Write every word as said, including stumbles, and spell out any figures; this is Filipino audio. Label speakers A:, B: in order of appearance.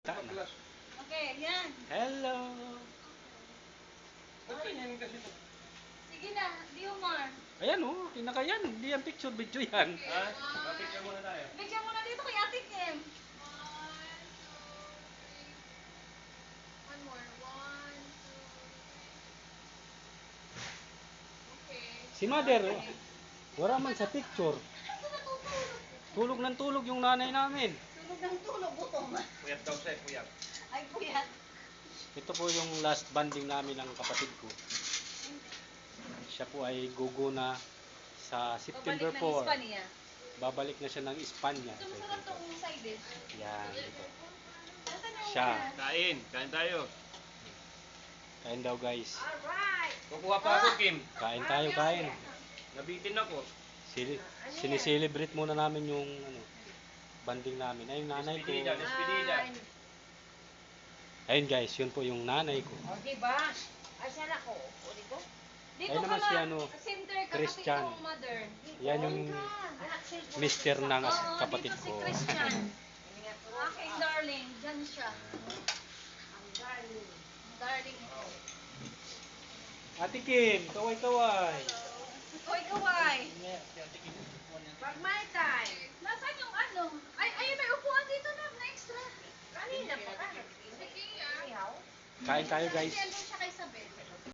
A: Kita na.
B: Okay, yan.
A: Hello.
B: Sige na, Diomar.
A: Ayan oh, kinaka yan. Hindi yan picture, video yan.
C: Ha? Papicture muna tayo.
B: Bigyan mo na dito kay Ate Kim.
D: One more. One, two, three. Okay.
A: Si Mother, wala man sa picture.
B: Ito natutulog.
A: Tulog ng tulog yung nanay namin.
B: Tulog ng tulog, gutom.
C: Puyat daw siya, puyat.
B: Ay, puyat.
A: Ito po yung last banding namin ng kapatid ko. Siya po ay gugo na sa September
B: Pabalik ng
A: four.
B: Espanya.
A: Babalik na siya ng Espanya.
B: Ito masarap tong side dish.
A: Yan, ito.
B: Nasaan yung
A: Siya.
B: una?
C: Kain, kain tayo.
A: Kain daw guys.
B: Alright.
C: Kukuha pa ako, Kim.
A: Kain tayo, kain.
C: Nabitin ako.
A: Sili sinicelebrate muna namin yung ano, banding namin. Ay, yung nanay ko.
C: Despedida, despedida.
A: Ayun guys, yun po yung nanay ko.
B: O, diba? Ay, saan ako? O, dito? Dito
A: Ayun naman
B: ka
A: si
B: lang.
A: ano,
B: Center, katabi
A: Christian.
B: ng mother.
A: Yan yung
B: Anak, cellphone.
A: mister ng as-
B: Oo,
A: kapatid
B: dito si
A: ko.
B: Christian. Aking darling, dyan siya. Ang darling. Ang darling ko.
A: Ate Kim, kaway-kaway.
B: Hoy, kaway. Pag my time. Nasaan yung ano? Ay, ay, may upuan dito na, na extra. Kanina pa ka. Sige, ah.
A: Kain tayo guys.
B: Kasi andun siya